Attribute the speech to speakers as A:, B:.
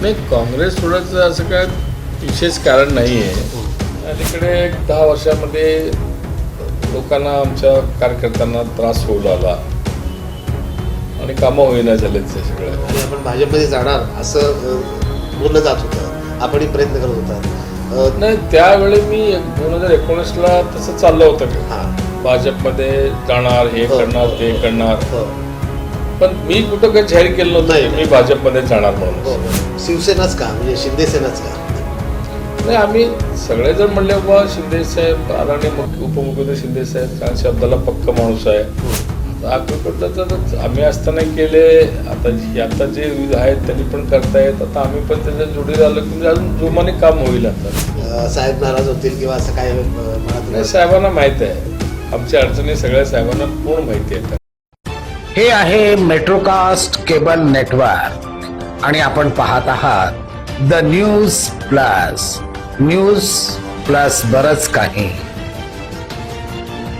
A: नाही, काँग्रेस सोडायचं असं काय विशेष कारण नाही आहे. अलीकडे 10 वर्षामध्ये लोकांना, आमच्या कार्यकर्त्यांना त्रास होऊ लागला आणि कामं होईना झालेत ते सगळं.
B: आणि आपण भाजपमध्ये जाणार असं बोललं जात होतं, आपणही प्रयत्न करत होता.
A: नाही, त्यावेळी मी 2019ला तसं चाललं होतं
B: हां,
A: भाजपमध्ये जाणार, हे करणार, ते करणार.
B: हो,
A: पण मी कुठं काही जाहीर केलं नव्हतं
B: नाही.
A: मी भाजपमध्ये जाणार
B: हो.
A: म्हणून.
B: शिवसेनाच का, म्हणजे शिंदे सेनाच का?
A: नाही, आम्ही सगळेजण म्हणले बाबा शिंदे साहेब, आदरणीय उपमुख्यमंत्री शिंदे साहेब त्या शब्दाला पक्का माणूस आहे. तर आम्ही असताना केले, आता जे आहेत त्यांनी पण करतायत, आता आम्ही पण त्याच्या जोडी आलो की अजून जोमाने काम होईल. आता
B: साहेब नाराज होतील किंवा असं काय
A: नाही, साहेबांना माहीत आहे, आमच्या अडचणी सगळ्या साहेबांना पूर्ण माहिती आहेत.
C: हे आहे मेट्रोकास्ट केबल नेटवर्क आणि आपण पाहत आहात the news plus. News plus बरंच काही.